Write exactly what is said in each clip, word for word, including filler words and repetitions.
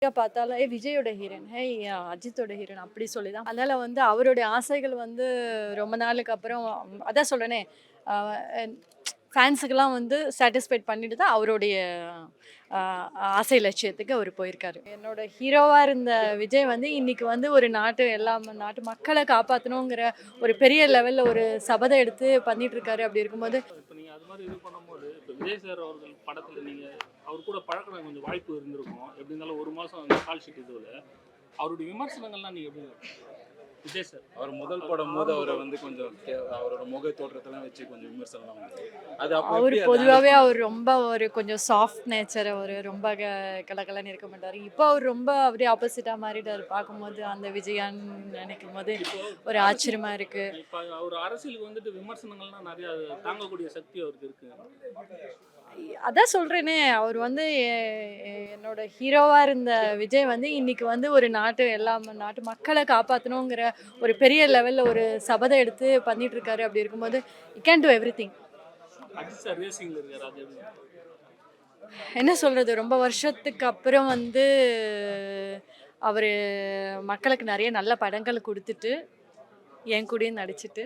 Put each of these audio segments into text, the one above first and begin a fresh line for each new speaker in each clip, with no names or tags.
பார்த்தாலும் ஏ விஜயோட ஹீரோயின் ஹே அஜித்தோட ஹீரோயின் அப்படி சொல்லி தான். அதனால வந்து அவருடைய ஆசைகள் வந்து ரொம்ப நாளுக்கு அப்புறம் அதான் சொல்றேனே ஃபேன்ஸுக்கெல்லாம் வந்து சாட்டிஸ்ஃபைட் பண்ணிட்டு தான் அவருடைய ஆஹ், ஆசை லட்சியத்துக்கு அவர் போயிருக்காரு. என்னோட ஹீரோவாக இருந்த விஜய் வந்து இன்னைக்கு வந்து ஒரு நாட்டு எல்லா ம- நாட்டு மக்களை காப்பாற்றணுங்கிற ஒரு பெரிய லெவலில் ஒரு சபதம் எடுத்து பண்ணிட்டு இருக்காரு. அப்படி இருக்கும்போது
இப்போ நீங்கள் அது மாதிரி இது பண்ணும்போது இப்போ விஜய் சார் அவர்கள் படத்தில் நீங்கள் அவர் கூட பழக்கிற கொஞ்சம் வாய்ப்பு இருந்திருக்கும். எப்படி இருந்தாலும் ஒரு மாதம் அந்த கால் ஷீட் இதுவில் அவருடைய விமர்சனங்கள்லாம் நீங்கள் எப்படி விஜய் சார்
அவர் முதல் படம் போது அவரை வந்து கொஞ்சம் கே- அவரோட முக தோற்றத்தெல்லாம் வச்சு கொஞ்சம் விமர்சனம் வந்து அது அப்போ
அவர்
எப்படி அதை
பொதுவாகவே
handle
அவர் ரொம்ப ஒரு கொஞ்சம் சாஃப்ட் நேச்சர், அவர் ரொம்ப க கலகலன்னு இருக்க மாட்டார். இப்போ அவர் ரொம்ப அப்படியே ஆப்போசிட்டாக மாறிட்டார். பார்க்கும்போது அந்த விஜயான்னு நினைக்கும் போது ஒரு ஆச்சரியமா இருக்கு.
இப்போ அவர் அரசியலுக்கு வந்துட்டு விமர்சனங்கள்லாம் நிறைய தாங்கக்கூடிய சக்தி அவருக்கு இருக்கு.
அதான் சொல்றேனே, அவர் வந்து எ- எ- என்னோட ஹீரோவா இருந்த விஜய் வந்து இன்னைக்கு வந்து ஒரு நாட்டு எல்லா ம- நாட்டு மக்களை காப்பாற்றணுங்கிற ஒரு பெரிய லெவலில் ஒரு சபதம் எடுத்து பண்ணிட்டு இருக்காரு. அப்படி இருக்கும்போது you can do everything.
Ajith sir ரேசிங்கில் இருக்கார். அது எப்படி
என்ன சொல்றது, ரொம்ப வருஷத்துக்கு அப்புறம் வந்து அவர் மக்களுக்கு நிறைய நல்ல படங்கள் கொடுத்துட்டு என் கூடயும் நடிச்சிட்டு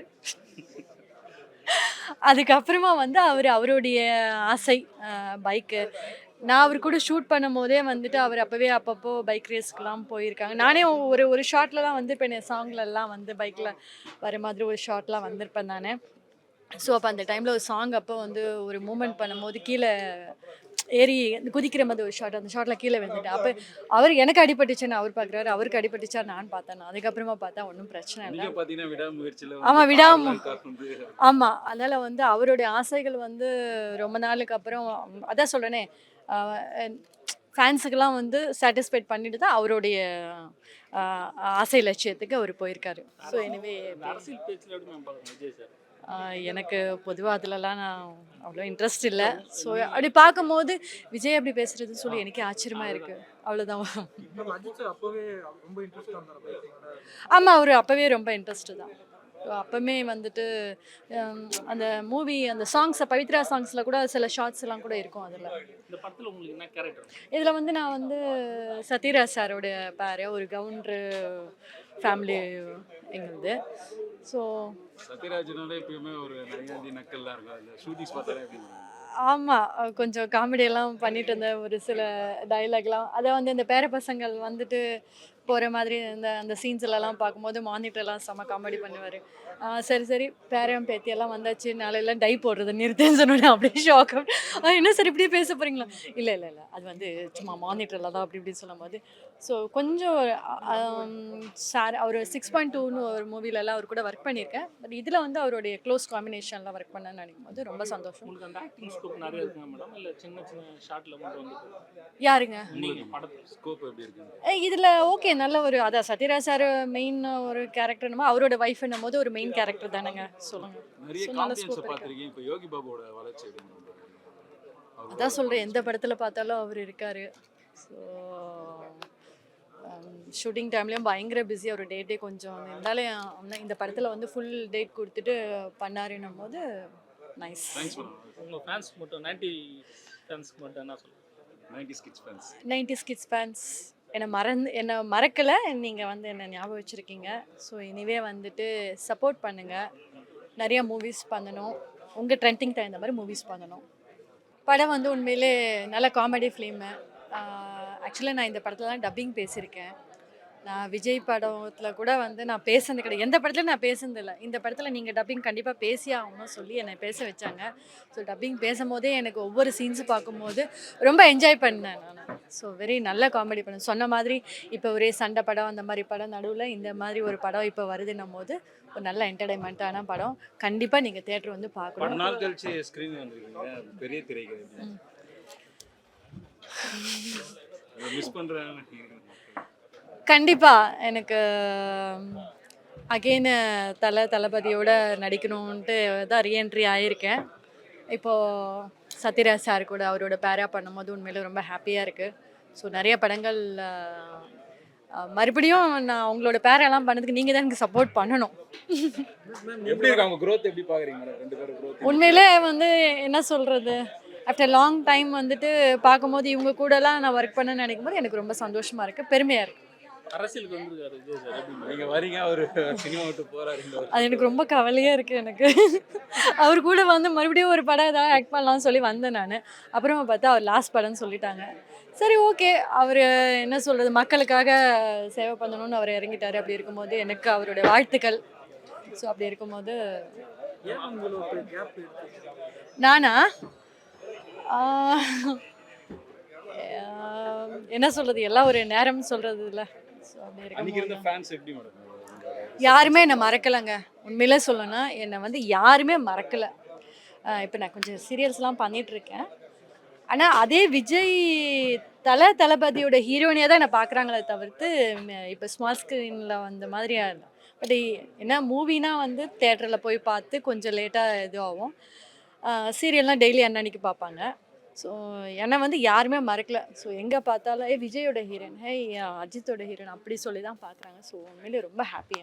அதுக்கப்புறமா வந்து அவர் அவருடைய ஆசை பைக்கு நான் அவர் கூட ஷூட் பண்ணும் போதே வந்துட்டு அவர் அப்போவே அப்பப்போ பைக் ரேஸ்க்கெலாம் போயிருக்காங்க. நானே ஒரு ஒரு ஷார்ட்லலாம் வந்திருப்பேன், என் சாங்லலாம் வந்து பைக்கில் வர மாதிரி ஒரு ஷார்ட்லாம் வந்திருப்பேன் நான். ஸோ அப்போ அந்த டைமில் ஒரு சாங் அப்போ வந்து ஒரு மூமெண்ட் பண்ணும்போது கீழே ஏறி குதிக்கிற மாதிரி ஒரு ஷாட், அந்த ஷாட்டில் கீழே விழுந்துட்டேன். அப்போ அவர் எனக்கு அடிபட்டுச்சுன்னு அவர் பார்க்குறாரு, அவருக்கு அடிபட்டுச்சா நான் பார்த்தேன். நான் அதுக்கப்புறமா பார்த்தா ஒன்றும் பிரச்சனை இல்லை.
நீங்க பாத்தீங்கன்னா விடாமுயற்சியில
ஆமா,
வந்து
விடாம-
பாடல்கள் காட்டுறது
ஆமாம், அதனால் வந்து அவருடைய ஆசைகள் வந்து ரொம்ப நாளுக்கு அப்புறம் அதான் சொல்கிறேனே ஃபேன்ஸுக்கெல்லாம் வந்து சாட்டிஸ்ஃபைட் பண்ணிட்டு தான் அவருடைய ஆஹ், ஆசை லட்சியத்துக்கு அவர் போயிருக்காரு. ஸோ எனிவே
இந்த அரசியல் பேச்சில் எப்படி மேம் பார்க்குறேன் விஜய் சார்?
எனக்கு பொதுவாக அதிலலாம் நான் அவ்வளோ இன்ட்ரெஸ்ட் இல்லை. ஸோ அப்படி பார்க்கும்போது விஜய் அப்படி பேசுறதுன்னு சொல்லி எனக்கே ஆச்சரியமாக இருக்குது. அவ்வளோதான்.
நம்ம அஜித் சார் அப்பவே ரொம்ப இன்ட்ரெஸ்ட் வந்தார் பைக்கில்.
ஆமாம், அவர் அப்போவே ரொம்ப இன்ட்ரெஸ்ட்டு தான். அப்போமே வந்துட்டு ஹம், அந்த மூவி அந்த சாங்ஸை பவித்ரா சாங்ஸில் கூட சில ஷார்ட்ஸ் எல்லாம் கூட இருக்கும் அதில்.
இந்த படத்தில் உங்களுக்கு என்ன கேரக்டர்?
இதில் வந்து நான் வந்து சத்யராஜ் சாரோடைய பேர், ஒரு கவுண்டரு ஃபேமிலி எங்களுது. ஸோ
சத்யராஜனால எப்பயுமே ஒரு நையாண்டி நக்கல்லாம் இருக்கும். அதுல ஷூட்டிங்ஸ் பார்த்தாலே எப்படி இருக்கும்?
ஆமாம், கொஞ்சம் காமெடியெல்லாம் பண்ணிட்டு இருந்த ஒரு சில டைலாக்லாம் அதை வந்து இந்த பேர பசங்கள் வந்துட்டு போகிற மாதிரி இந்த அந்த சீன்ஸ்லலாம் பார்க்கும்போது மானிட்டர்லாம் செம்ம காமெடி பண்ணுவார். சரி சரி பேரம் பேத்தியெல்லாம் வந்தாச்சு, நாளையெல்லாம் டை போடுறது நிறுத்துன்னு சொன்னோன்னே அப்படியே ஷாக். என்ன சார் இப்படியே பேச போகிறீங்களா? இல்லை இல்லை இல்லை அது வந்து சும்மா மானிட்டரில் தான் அப்படி இப்படின்னு சொல்லும் போது ஸோ கொஞ்சம் சார் அவர் சிக்ஸ் பாயிண்ட் டூன்னு ஒரு மூவிலலாம் அவர் கூட ஒர்க் பண்ணியிருக்கேன். பட் இதில் வந்து அவருடைய க்ளோஸ் காம்பினேஷனில் ஒர்க் பண்ணேன்னு நினைக்கும் போது ரொம்ப சந்தோஷம்.
உங்களுக்கு அந்த ஆக்டிங் ஸ்கோப் நிறைய இருக்குங்க மேடம், இல்லை சின்ன சின்ன ஷார்ட்டில் மட்டும் வந்து
யாருங்க?
நீங்கள் படத்தில்
ஸ்கோப் எப்படி இருக்கு?
இதில் ஓகே, நல்ல ஒரு அதான் சத்யராஜ் சார் மெயின் ஒரு கேரக்டர்னுமோ அவரோட ஒய்ஃப் என்னும் போது ஒரு மெயின் கேரக்டர் தானேங்க. சொல்லுங்க.
நிறைய
So, நல்ல
காம்பியன்ஸ்
scope இருக்கு.
பார்த்திருக்கீங்க. இப்போ யோகி பாபுவோட வளர்ச்சி எப்படி இருக்கு? அவரோட
அதான் சொல்கிறேன், எந்த படத்தில் பார்த்தாலும் அவர் இருக்கார். ஸோ ஷூட்டிங் டைம்லேயும் பயங்கர பிஸி, அவர் டேட்டே கொஞ்சம் இருந்தாலும் ஆனா இந்த படத்தில் வந்து ஃபுல் டேட் கொடுத்துட்டு பண்ணாருன்னும் போது நைஸ்.
Thanks madam.
உங்கள் ஃபேன்ஸ் மட்டும் நைன்டி ஃபேன்ஸ்க்கு மட்டும் என்ன சொல்லுங்கள்?
Ninety skits fans.
Ninety skits fans என்னை மறந்து என்னை மறக்கலை, நீங்கள் வந்து என்னை ஞாபகம் வச்சுருக்கீங்க. ஸோ இனிவே வந்துட்டு சப்போர்ட் பண்ணுங்கள், நிறையா மூவிஸ் பண்ணணும், உங்கள் ட்ரெண்டிங் தகுந்த மாதிரி மூவிஸ் பண்ணணும். படம் வந்து உண்மையிலே நல்ல காமெடி ஃபிலிமு. ஆக்சுவலாக நான் இந்த படத்தில் தான் டப்பிங் பேசியிருக்கேன். நான் விஜய் படத்தில் கூட வந்து நான் பேசுனது கிடையாது, எந்த படத்துலையும் நான் பேசுனது இல்லை. இந்த படத்தில் நீங்கள் டப்பிங் கண்டிப்பாக பேசி ஆகணும்னு சொல்லி என்னை பேச வச்சாங்க. ஸோ டப்பிங் பேசும்போதே எனக்கு ஒவ்வொரு சீன்ஸு பார்க்கும்போது ரொம்ப என்ஜாய் பண்ணேன் நான். ஸோ வெரி நல்ல காமெடி படம். சொன்ன மாதிரி இப்போ ஒரே சண்டை படம் அந்த மாதிரி படம் நடுவில் இந்த மாதிரி ஒரு படம் இப்போ வருதுன்னும் போது ஒரு நல்ல என்டர்டைன்மெண்ட்டான படம். கண்டிப்பாக நீங்கள் தேட்டர் வந்து
பல
பார்க்கணும்.
நாள் கழிச்சு ஸ்கிரீன் வந்திருக்கீங்க, பெரிய திரைக்கு மிஸ் பண்றேன்.
கண்டிப்பாக எனக்கு அகெயின் தலை தளபதியோட நடிக்கணுன்ட்டு தான் ரீஎன்ட்ரி ஆகியிருக்கேன். இப்போது சத்யராஜ் சார் கூட அவரோட பேரா பண்ணும்போது உண்மையிலே ரொம்ப ஹாப்பியாக இருக்குது. ஸோ நிறைய படங்கள் அஹ், மறுபடியும் நான் உங்களோட பேரெல்லாம் பண்ணதுக்கு நீங்கள் தான் எனக்கு சப்போர்ட் பண்ணணும்.
எப்படி இருக்கு அவங்க growth எப்படி பாக்குறீங்க மேடம்? ரெண்டு பேரும் growth
உண்மையிலே வந்து என்ன சொல்கிறது, ஆஃப்டர் லாங் டைம் வந்துட்டு பார்க்கும்போது இவங்க கூடலாம் நான் ஒர்க் பண்ண நினைக்கும் போது எனக்கு ரொம்ப சந்தோஷமாக இருக்குது, பெருமையாக இருக்குது.
அரசியலுக்கு வந்திருக்காரு விஜய் சார் எப்படி
நீங்க வரீங்க அவரு சினிமா விட்டு போறாரு
அது எனக்கு ரொம்ப கவலையாக இருக்குது எனக்கு. அவர் கூட வந்து மறுபடியும் ஒரு படம் ஏதாவது ஆக்ட் பண்ணலாம்னு சொல்லி வந்தேன் நான். அப்புறமா பார்த்தா அவர் லாஸ்ட் படம்னு சொல்லிட்டாங்க. சரி ஓகே, அவர் என்ன சொல்கிறது, மக்களுக்காக சேவை பண்ணணும்னு அவர் இறங்கிட்டார். அப்படி இருக்கும்போது எனக்கு அவருடைய வாழ்த்துக்கள். ஸோ அப்படி இருக்கும்போது
ஏன் உங்களுக்கு கேப் இருக்கு?
நானா ஆஹ், ஆஹ், என்ன சொல்கிறது, எல்லாம் ஒரு நேரம் சொல்கிறது இல்லை. ஸோ அப்படி
அன்னைக்கு இருந்த
இருக்கும்போது
ஃபேன்ஸ் எப்படி மேடம்
யாருமே என்னை மறக்கலைங்க. உண்மையிலே சொல்லணும்னா என்னை வந்து யாருமே மறக்கலை. இப்போ நான் கொஞ்சம் சீரியல்ஸ்லாம் பண்ணிகிட்ருக்கேன். ஆனால் அதே விஜய் தல தளபதியோட ஹீரோயினியாக தான் என்னை பார்க்குறாங்களே தவிர்த்து இப்போ ஸ்மால் ஸ்க்ரீனில் வந்த மாதிரி பட் என்ன மூவினா வந்து தேட்டரில் போய் பார்த்து கொஞ்சம் லேட்டாக இதுவாகும். சீரியல்லாம் டெய்லி அன்னன்னைக்கு பார்ப்பாங்க. ஸோ என்னை வந்து யாருமே மறக்கல. ஸோ எங்கே பார்த்தாலும் ஏ விஜயோட ஹீரோயின், ஹே அஜித்தோட ஹீரோயின் அப்படி சொல்லி தான் பார்க்குறாங்க. ஸோ உண்மையிலே ரொம்ப ஹாப்பி.